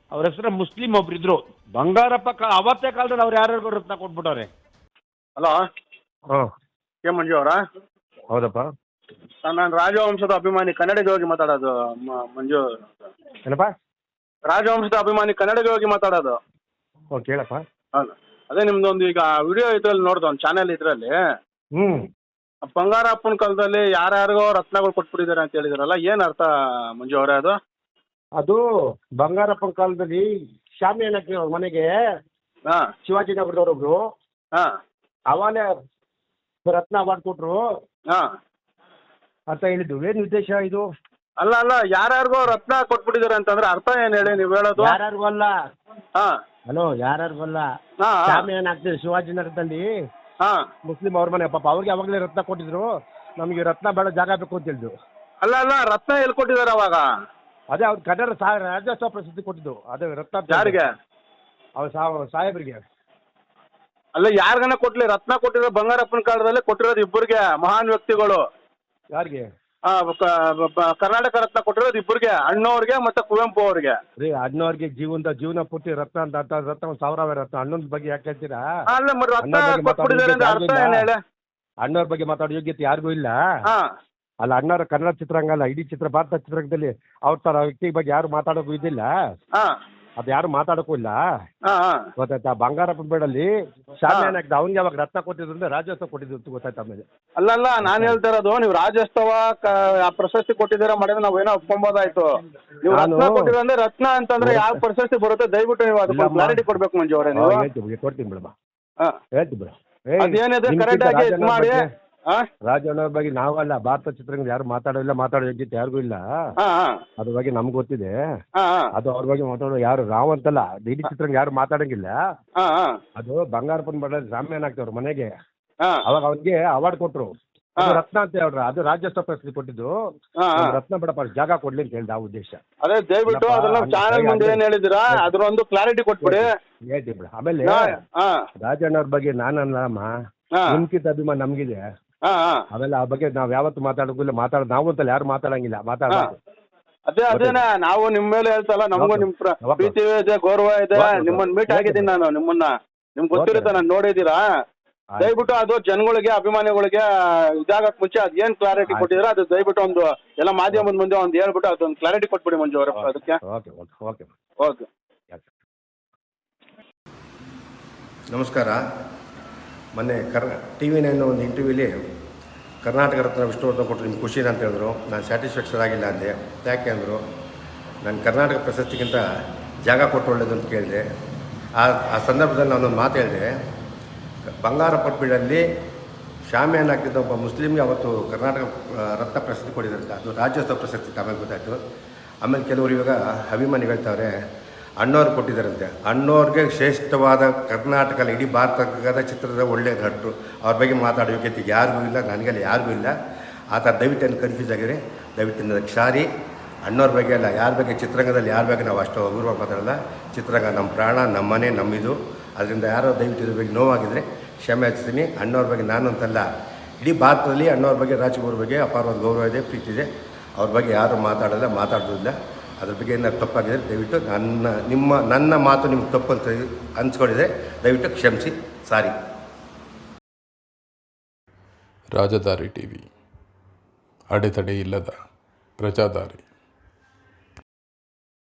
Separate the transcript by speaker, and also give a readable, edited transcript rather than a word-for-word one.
Speaker 1: ಅವ್ರ ಹೆಸರು ಮುಸ್ಲಿಂ ಒಬ್ರಿದ್ರು ಬಂಗಾರಪ್ಪ ಅವತ್ತೇ ಕಾಲದಲ್ಲಿ ಅವ್ರು ಯಾರ್ಯಾರಿಗೂ ರತ್ನ ಕೊಟ್ಬಿಟ್ಟವ್ರೆ.
Speaker 2: ಹಲೋ,
Speaker 3: ಹಾಂ
Speaker 2: ಕೆ ಮಂಜು ಅವರಾ?
Speaker 3: ಹೌದಪ್ಪ.
Speaker 2: ನಾನು ರಾಜವಂಶದ ಅಭಿಮಾನಿ, ಕನ್ನಡಿಗ ಹೋಗಿ ಮಾತಾಡೋದು. ಮಂಜು
Speaker 3: ಏನಪ್ಪ?
Speaker 2: ರಾಜವಂಶದ ಅಭಿಮಾನಿ, ಕನ್ನಡಿಗ ಹೋಗಿ ಮಾತಾಡೋದು.
Speaker 3: ಓ ಕೇಳಪ್ಪ.
Speaker 2: ಹೌದು, ಅದೇ ನಿಮ್ದೊಂದು ಈಗ ವಿಡಿಯೋ ಇದ್ರಲ್ಲಿ ನೋಡ್ದು, ಒಂದು ಚಾನೆಲ್ ಇದರಲ್ಲಿ
Speaker 3: ಹ್ಞೂ
Speaker 2: ಬಂಗಾರಪ್ಪನ ಕಾಲದಲ್ಲಿ ಯಾರ್ಯಾರಿಗೋ ರತ್ನಗಳು ಕೊಟ್ಬಿಟ್ಟಿದ್ದಾರೆ ಅಂತ ಹೇಳಿದಾರಲ್ಲ, ಏನು ಅರ್ಥ ಮಂಜು ಅವರೇ ಅದು?
Speaker 3: ಅದು ಬಂಗಾರಪ್ಪನ ಕಾಲದಲ್ಲಿ ಶಾಮಿಯಾನಕ್ಕೆ ಅವ್ರ ಮನೆಗೆ
Speaker 2: ಹಾಂ
Speaker 3: ಶಿವಾಜಿನಗರದವ್ರೊಬ್ರು
Speaker 2: ಹಾಂ
Speaker 3: ಅವಾಗಲೇ ರತ್ನ ಅವಾರ್ಡ್ ಕೊಟ್ಟರು
Speaker 2: ಹಾಂ
Speaker 3: ಅಂತ ಹೇಳಿದ್ದು. ಏನು ಉದ್ದೇಶ ಇದು?
Speaker 2: ಅಲ್ಲ ಅಲ್ಲ, ಯಾರ್ಯಾರಿಗೋ ರತ್ನ ಕೊಟ್ಬಿಟ್ಟಿದ್ದಾರೆ ಅಂತಂದ್ರೆ ಅರ್ಥ ಏನು ಹೇಳಿ ನೀವು ಹೇಳೋದು?
Speaker 3: ಯಾರ್ಯಾರಿಗೂ ಅಲ್ಲ.
Speaker 2: ಹಾಂ
Speaker 3: ಹಲೋ, ಯಾರ್ಯಾರಿಗೂ ಅಲ್ಲ.
Speaker 2: ಹಾಂ
Speaker 3: ಶಾಮಿಯಾನ ಆಗ್ತದೆ ಶಿವಾಜಿನಗರದಲ್ಲಿ
Speaker 2: ಹಾಂ.
Speaker 3: ಮುಸ್ಲಿಂ ಅವ್ರ ಮನೆ, ಪಾಪ ಅವ್ರಿಗೆ ಅವಾಗಲೇ ರತ್ನ ಕೊಟ್ಟಿದ್ರು. ನಮಗೆ ರತ್ನ ಬೇಡ, ಜಾಗ ಬೇಕು ಅಂತ ಹೇಳಿದ್ರು.
Speaker 2: ಅಲ್ಲ ಅಲ್ಲ, ರತ್ನ ಎಲ್ಲಿ ಕೊಟ್ಟಿದ್ದಾರೆ ಅವಾಗ?
Speaker 3: ಅದೇ ಅವ್ರು ಕನ್ನಡ ರಾಜ್ಯೋತ್ಸವ ಪ್ರಶಸ್ತಿ ಕೊಟ್ಟಿದ್ದು. ಅದೇ ರತ್ನ
Speaker 2: ಯಾರಿಗೆ?
Speaker 3: ಅವ್ರು ಸಾಹೇಬ್ರಿಗೆ.
Speaker 2: ಅಲ್ಲ, ಯಾರಿಗನ ಕೊಟ್ಲಿ, ರತ್ನ ಕೊಟ್ಟಿರೋ ಬಂಗಾರಪ್ಪನ ಕಾಲದಲ್ಲಿ ಕೊಟ್ಟಿರೋದು ಇಬ್ಬರಿಗೆ, ಮಹಾನ್ ವ್ಯಕ್ತಿಗಳು.
Speaker 3: ಯಾರಿಗೆ?
Speaker 2: ಕರ್ನಾಟಕ ರತ್ನ ಕೊಟ್ಟಿರೋದು ಇಬ್ಬರಿಗೆ, ಅಣ್ಣವ್ರಿಗೆ ಮತ್ತೆ ಕುವೆಂಪು ಅವ್ರಿಗೆ.
Speaker 3: ರೀ, ಅಣ್ಣವ್ರಿಗೆ ಜೀವನ ಪೂರ್ತಿ ರತ್ನ ಅಂತ ರತ್ನ ಒಂದು ಸಾವಿರ ರತ್ನ. ಅಣ್ಣನ ಬಗ್ಗೆ ಯಾಕೆ ಹೇಳ್ತೀರಾ?
Speaker 2: ಅಲ್ಲ, ಮತ್ತೆ ರತ್ನ ಕೊಟ್ಬಿಟ್ಟಿದ್ದಾರೆ ಅಂದ್ರೆ ಅರ್ಥ ಏನು ಹೇಳಿ?
Speaker 3: ಅಣ್ಣವ್ರ ಬಗ್ಗೆ ಮಾತಾಡೋ ಯೋಗ್ಯತೆ ಯಾರಿಗೂ ಇಲ್ಲ.
Speaker 2: ಹಾಂ
Speaker 3: ಅಲ್ಲ, ಅಣ್ಣವ್ರ ಕನ್ನಡ ಚಿತ್ರರಂಗ ಅಲ್ಲ, ಇಡೀ ಭಾರತ ಚಿತ್ರರಂಗದಲ್ಲಿ ಅವ್ರ ಥರ ವ್ಯಕ್ತಿ ಬಗ್ಗೆ ಯಾರು ಮಾತಾಡೋಕ್ಕೂ ಇದಿಲ್ಲ.
Speaker 2: ಹಾಂ
Speaker 3: ಅದು ಯಾರು ಮಾತಾಡೋಕ್ಕೂ ಇಲ್ಲ.
Speaker 2: ಹಾಂ ಹಾಂ.
Speaker 3: ಗೊತ್ತಾಯ್ತಾ? ಬಂಗಾರಪ್ಪನ ಬೇಡಲ್ಲಿ ಶಾಮಿಯಾನ ಹಾಕಿದ ಅವ್ನಿಗೆ ಯಾವಾಗ ರತ್ನ ಕೊಟ್ಟಿದ್ರು ಅಂದ್ರೆ ರಾಜ್ಯೋತ್ಸವ ಕೊಟ್ಟಿದ್ರು ಅಂತ ಗೊತ್ತಾಯ್ತಾ? ಆಮೇಲೆ
Speaker 2: ಅಲ್ಲ ಅಲ್ಲ, ನಾನು ಹೇಳ್ತಾ ಇರೋದು, ನೀವು ರಾಜ್ಯೋತ್ಸವ ಪ್ರಶಸ್ತಿ ಕೊಟ್ಟಿದ್ದೀರಾ ಮಾಡಿದ್ರೆ ನಾವೇನೋ ಒಪ್ಕೊಂಬೋದಾಯ್ತು. ನೀವು ರತ್ನ ಕೊಟ್ಟಿದ್ರೆ ಅಂದ್ರೆ ರತ್ನ ಅಂತಂದ್ರೆ ಯಾವ ಪ್ರಶಸ್ತಿ ಬರುತ್ತೆ ದಯವಿಟ್ಟು ನೀವು ಅದಕ್ಕೆ ಕ್ಲಾರಿಟಿ ಕೊಡ್ಬೇಕು ಮಂಜು ಅವರೇ. ನೀವು
Speaker 3: ಹೇಳ್ತೀವಿ, ಕೊಡ್ತೀನಿ ಬಿಡಮ್ಮ,
Speaker 2: ಹಾಂ
Speaker 3: ಹೇಳ್ತೀವಿ ಬಿಡ.
Speaker 2: ಅದೇನಿದೆ ಕರೆಕ್ಟ್ ಆಗಿ ಇದು ಮಾಡಿ.
Speaker 3: ರಾಜಣ್ಣವ್ರ ಬಗ್ಗೆ ನಾವಲ್ಲ, ಭಾರತ ಚಿತ್ರರಂಗ ಯಾರು ಮಾತಾಡೋಲ್ಲ, ಮಾತಾಡೋ ಯೋಗ್ಯತೆ ಯಾರಿಗೂ ಇಲ್ಲ. ಅದ್ರ ಬಗ್ಗೆ ನಮ್ಗೆ ಗೊತ್ತಿದೆ. ಅದು ಅವ್ರ ಬಗ್ಗೆ ಮಾತಾಡೋ ಯಾರು ರಾವ್ ಅಂತಲ್ಲ, ಇಡೀ ಚಿತ್ರರಂಗ ಯಾರು ಮಾತಾಡಂಗಿಲ್ಲ. ಅದು ಬಂಗಾರಪ್ಪನ ಬಡ ಶಾಮಿಯಾನ ಆಗ್ತವ್ರ ಮನೆಗೆ, ಅವಾಗ ಅವ್ರಿಗೆ ಅವಾರ್ಡ್ ಕೊಟ್ರು. ಅದು ರತ್ನ ಅಂತ ಹೇಳ್ರ, ಅದು ರಾಜ್ಯೋತ್ಸವ ಪ್ರಶಸ್ತಿ ಕೊಟ್ಟಿದ್ದು. ರತ್ನ ಬೇಡಪ್ಪ, ಜಾಗ ಕೊಡ್ಲಿ ಅಂತ ಹೇಳ್ದ. ಆ ಉದ್ದೇಶ.
Speaker 2: ಅದೇ ದಯವಿಟ್ಟು ಅದನ್ನ ಚಾನಲ್ ಮುಂದೆ ಏನ್ ಹೇಳಿದಿರಾ ಅದ್ರ ಒಂದು ಕ್ಲಾರಿಟಿ ಕೊಟ್ಬಿಡಿ.
Speaker 3: ಹೇಳ್ತೀವಿ ಬಿಡ. ಆಮೇಲೆ ರಾಜಣ್ಣವ್ರ ಬಗ್ಗೆ ನಾನಲ್ಲಮ್ಮ, ನಿಮ್ಕಿಂತ ಅಭಿಮಾನ ನಮ್ಗಿದೆ. ಆಮೇಲೆ ಆ ಬಗ್ಗೆ ನಾವ್ ಯಾವತ್ತು ಮಾತಾಡೋದಿಲ್ಲ, ನಾವು ಅಂತಲ್ಲ ಯಾರು ಮಾತಾಡಂಗಿಲ್ಲ, ಮಾತಾಡೋದು.
Speaker 2: ಅದೇ ಅದೇನಾ, ನಾವು ನಿಮ್ ಮೇಲೆ ಹೇಳ್ತಲ್ಲ, ನಮಗೂ ನಿಮ್ ಪ್ರೀತಿ ಇದೆ, ಗೌರವ ಇದೆ. ನಿಮ್ಮನ್ನ ಮೀಟ್ ಆಗಿದ್ದೀನಿ ನಾನು, ನಿಮ್ಗೆ ಗೊತ್ತಿರುತ್ತೆ, ನಾನು ನೋಡಿದ್ದೀರಾ. ದಯವಿಟ್ಟು ಅದು ಜನಗಳಿಗೆ, ಅಭಿಮಾನಿಗಳಿಗೆ ಇದಾಗಕ್ ಮುಂಚೆ ಅದ್ ಏನ್ ಕ್ಲಾರಿಟಿ ಕೊಟ್ಟಿದ್ರೆ ಅದು ದಯವಿಟ್ಟು ಒಂದು ಎಲ್ಲ ಮಾಧ್ಯಮದ ಮುಂದೆ ಒಂದು ಹೇಳ್ಬಿಟ್ಟು ಅದೊಂದು ಕ್ಲಾರಿಟಿ ಕೊಟ್ಬಿಡಿ ಮಂಜು ಅವರ ಅದಕ್ಕೆ. ಓಕೆ.
Speaker 4: ನಮಸ್ಕಾರ. ಮೊನ್ನೆ TV9 ಒಂದು ಇಂಟರ್ವ್ಯೂಲಿ ಕರ್ನಾಟಕ ರತ್ನ ವಿಷ್ಣುವರ್ಧನ್ ಕೊಟ್ಟರು, ನಿಮ್ಗೆ ಖುಷಿನ ಅಂತ ಹೇಳಿದ್ರು. ನಾನು ಸ್ಯಾಟಿಸ್ಫ್ಯಾಕ್ಷನ್ ಆಗಿಲ್ಲ ಅಂದೆ. ಯಾಕೆ ಅಂದರು, ನಾನು ಕರ್ನಾಟಕ ಪ್ರಶಸ್ತಿಗಿಂತ ಜಾಗ ಕೊಟ್ಟು ಒಳ್ಳೇದು ಅಂತ ಕೇಳಿದೆ. ಆ ಸಂದರ್ಭದಲ್ಲಿ ನಾನೊಂದು ಮಾತು ಹೇಳಿದೆ, ಬಂಗಾರಪ್ಪನ ಬೀಡಲ್ಲಿ ಶಾಮಿಯಾನ ಹಾಕಿದ್ದ ಒಬ್ಬ ಮುಸ್ಲಿಮ್ಗೆ ಅವತ್ತು ಕರ್ನಾಟಕ ರತ್ನ ಪ್ರಶಸ್ತಿ ಕೊಟ್ಟಿದ್ರಂತೆ. ಅದು ರಾಜ್ಯೋತ್ಸವ ಪ್ರಶಸ್ತಿ ಆಮೇಲೆ ಗೊತ್ತಾಯಿತು. ಆಮೇಲೆ ಕೆಲವರು ಇವಾಗ ಅಭಿಮಾನಿಗಳು ಹೇಳ್ತಾವ್ರೆ ಅಣ್ಣವ್ರು ಕೊಟ್ಟಿದ್ದಾರಂತೆ. ಅಣ್ಣವ್ರಿಗೆ ಶ್ರೇಷ್ಠವಾದ ಕರ್ನಾಟಕ ಇಡೀ ಭಾರತದ ಚಿತ್ರದ ಒಳ್ಳೆಯ ನಟರು, ಅವ್ರ ಬಗ್ಗೆ ಮಾತಾಡೋ ಯೋಗ್ಯತೆ ಯಾರಿಗೂ ಇಲ್ಲ, ನನಗೆಲ್ಲ ಯಾರಿಗೂ ಇಲ್ಲ. ಆ ಥರ ದಯವಿಟ್ಟು ಏನು ಕನ್ಫ್ಯೂಸ್ ಆಗಿದೆ, ದಯವಿಟ್ಟು ನನಗೆ ಕ್ಷಾರಿ. ಅಣ್ಣವ್ರ ಬಗ್ಗೆ ಅಲ್ಲ, ಯಾರ ಬಗ್ಗೆ ಚಿತ್ರರಂಗದಲ್ಲಿ ಯಾರ ಬಗ್ಗೆ ನಾವು ಅಷ್ಟು ಅಗೌರವಾಗಿ ಮಾತಾಡಲ್ಲ. ಚಿತ್ರರಂಗ ನಮ್ಮ ಪ್ರಾಣ, ನಮ್ಮ ಮನೆ, ನಮ್ಮಿದು. ಅದರಿಂದ ಯಾರೋ ದಯವಿಟ್ಟು ಇದ್ರ ಬಗ್ಗೆ ನೋವಾಗಿದ್ದರೆ ಕ್ಷಮೆ ಯಾಚಿಸ್ತೀನಿ. ಅಣ್ಣವ್ರ ಬಗ್ಗೆ ನಾನು ಅಂತಲ್ಲ, ಇಡೀ ಭಾರತದಲ್ಲಿ ಅಣ್ಣವ್ರ ಬಗ್ಗೆ, ರಾಜ್ಕುಮಾರ್ ಬಗ್ಗೆ ಅಪಾರವಾದ ಗೌರವ ಇದೆ, ಪ್ರೀತಿ ಇದೆ. ಅವ್ರ ಬಗ್ಗೆ ಯಾರು ಮಾತಾಡೋಲ್ಲ, ಮಾತಾಡೋದಿಲ್ಲ. ಅದ್ರ ಬಗ್ಗೆ ಏನಾದ್ರು ತಪ್ಪಾಗಿದೆ ದಯವಿಟ್ಟು ನನ್ನ ಮಾತು ನಿಮ್ಗೆ ತಪ್ಪು ಅಂತ ಅನ್ಸ್ಕೊಂಡಿದೆ, ದಯವಿಟ್ಟು ಕ್ಷಮಿಸಿ, ಸಾರಿ.
Speaker 5: ರಾಜಧಾರಿ TV, ಅಡೆತಡೆ ಇಲ್ಲದ ಪ್ರಜಾದಾರಿ.